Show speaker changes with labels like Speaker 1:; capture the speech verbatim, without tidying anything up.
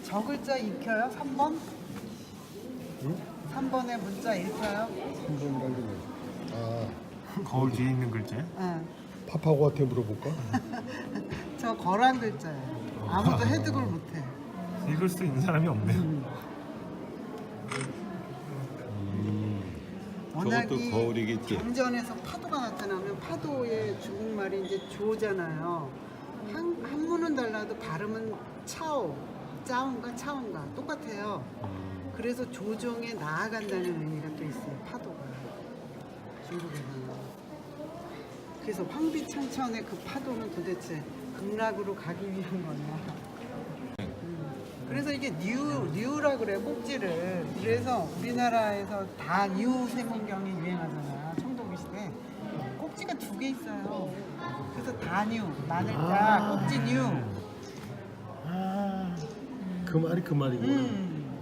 Speaker 1: 저 글자 읽혀요? 삼 번?
Speaker 2: 응?
Speaker 1: 삼 번에 문자 읽혀요?
Speaker 2: 삼 번이라는 게 뭐야? 아,
Speaker 3: 거울 뒤에 있는 글자?
Speaker 1: 응.
Speaker 2: 파파고한테 물어볼까?
Speaker 1: 저 거란 글자예요. 아무도 해독을 못해.
Speaker 3: 읽을 수 있는 사람이 없네요.
Speaker 2: 음,
Speaker 4: 저것도
Speaker 1: 워낙이
Speaker 4: 거울이겠지.
Speaker 1: 경전에서 파도가 나타나면 파도의 중국말이 이제 조잖아요. 한, 한문은 달라도 발음은 차오, 짜온가 차온가 똑같아요. 그래서 조정에 나아간다는 의미가 또 있어요. 파도가 중국에서는. 그래서 황비창천의 그 파도는 도대체 극락으로 가기 위한 거냐. 음. 그래서 이게 뉴, 뉴라 그래요, 꼭지를. 그래서 우리나라에서 다 뉴 세문경이 유행하잖아, 청동기 시대. 꼭지가 두 개 있어요. 그래서 다 뉴, 마늘자, 꼭지 뉴.
Speaker 2: 아, 그 말이 그 말이구나.
Speaker 1: 음.